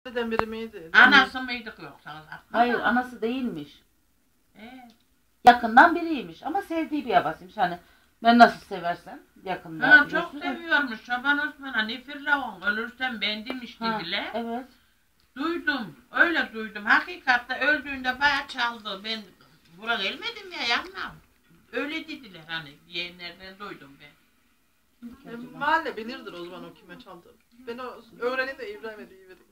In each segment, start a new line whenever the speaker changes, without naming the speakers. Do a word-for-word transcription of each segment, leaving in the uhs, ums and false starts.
Dedem biri miydi?
Anası mıydık yoksa?
Hayır anası değilmiş.
Ee,
Yakından biriymiş ama sevdiği bir babasıymış. Hani ben nasıl seversem yakında.
ha, çok
biliyorsun.
seviyormuş Çoban Osman'a. Nifirle on ölürsen bendimiş
Ha,
dediler.
evet.
Duydum. Öyle duydum. Hakikatte öldüğünde bayağı çaldı. Ben buraya gelmedim ya yanmam. Öyle dediler hani. Yeğenlerden duydum ben.
E, mahalle bilirdir o zaman o kime çaldığını. Ben o öğreneyim de İbrahim'e deyivereyim.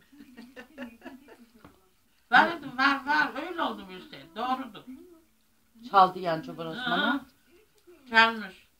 Vardı var var. Öyle oldu Mürsel. Doğrudur.
Çaldı yani Çoban
Ha,
Osman'a.
çalmış.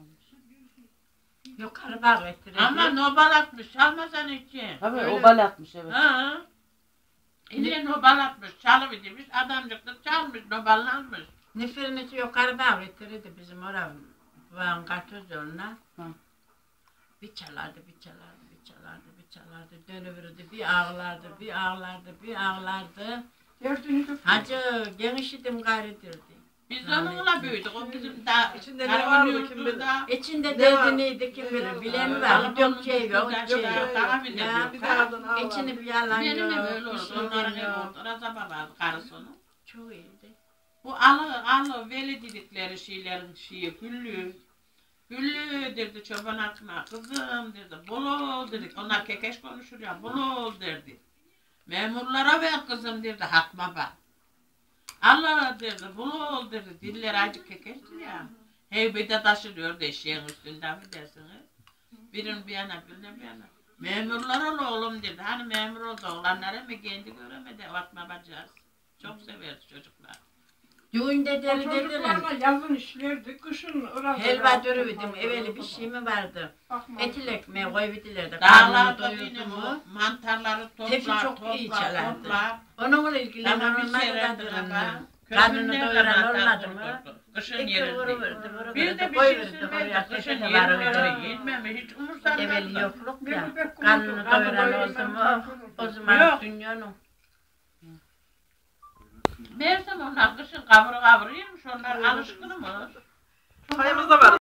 Yukarı bağ ettirdi.
Ama nobal atmış. Çalmasan için.
Tabii
Öyle.
obal atmış evet.
Ha. İlle nobal atmış. Çalıvermiş. Adamcık da çalmış. Noballanmış.
Neferini yukarı bağ ettirdi bizim oraya. Bağın kartoz yoluna.
Hı.
Bir çalardı, bir çalardı, bir çalardı, bir çalardı. Dönüverirdi, bir ağlardı, bir ağlardı, bir ağlardı.
Gördüğünüz
Hacı genişidim gayretirdi.
Biz onunla büyüdük. O bizim daha
İçinde ne vardı kim bilir?
İçinde
Ne
derdi
var?
neydi kim
Ne
bilir,
var?
bilen
Aa,
var,
Anadolu'nun
yok şey yok,
güzel
şey
şey
yok.
yok. Daha bile
Ya,
yok.
Bir de ardın ağlar.
İçini bir yalan
Benim
yok,
ev öyle
bir
oldu.
şey
Onların evi
yok.
oldu. Razaba vardı karısını.
Çok iyiydi.
Bu alı alı veli dedikleri şeylerin şeyi güllü. Güllü derdi çoban atma kızım derdi. Bolo dedik. Onlar kekeş konuşur ya. Bolo derdi. Memurlara ver kızım derdi. Hatma bak. Allah derdi. Bolo derdi. Diller acık kekeştir ya. Heybede taşırıyor eşeğin üstünden mi dersiniz? Birin bir yana birine bir yana. Memurlar ol oğlum derdi. Hani memur oldu oğlanlara mı kendi göremedi. Atma bacağız. Çok severdi çocuklar.
Düğünde deli dediler.
çocuklarla yazın işlerdi, kışın orada.
Helva dürüvidim, evveli bir şey mi vardı? Etil ekmeği koyuvidiler de
Dağlarda
karnını
yine
doyurdu
bu
mu?
mantarları
Tepsi
toplar,
çok iyi
toplar,
çalardı.
toplar.
Onunla ilgilenen
Tamam bir
olmadı
seyreldi
da
ama.
karnını
Köpünlerle
doyuran
mantar
olmadı mı?
vurdurdu. Kışın
İki
yerirdi.
vuruverdi, vuruverdi,
Bir de bir şey
koyuverdi oraya,
sürmedi. Kışın
tepede var
yerirdi.
öyle.
Yetmemi hiç
Evveli
umursamazdı.
yokluk ya,
Bir bebek
karnını
kurdu,
doyuran
karnını
oldu mu?
doyuran
O zaman
Yok.
dünyanın.
Meğersem onlar kışın kavur kavur yemiş. Onlar alışkınmış.
Payımız da var.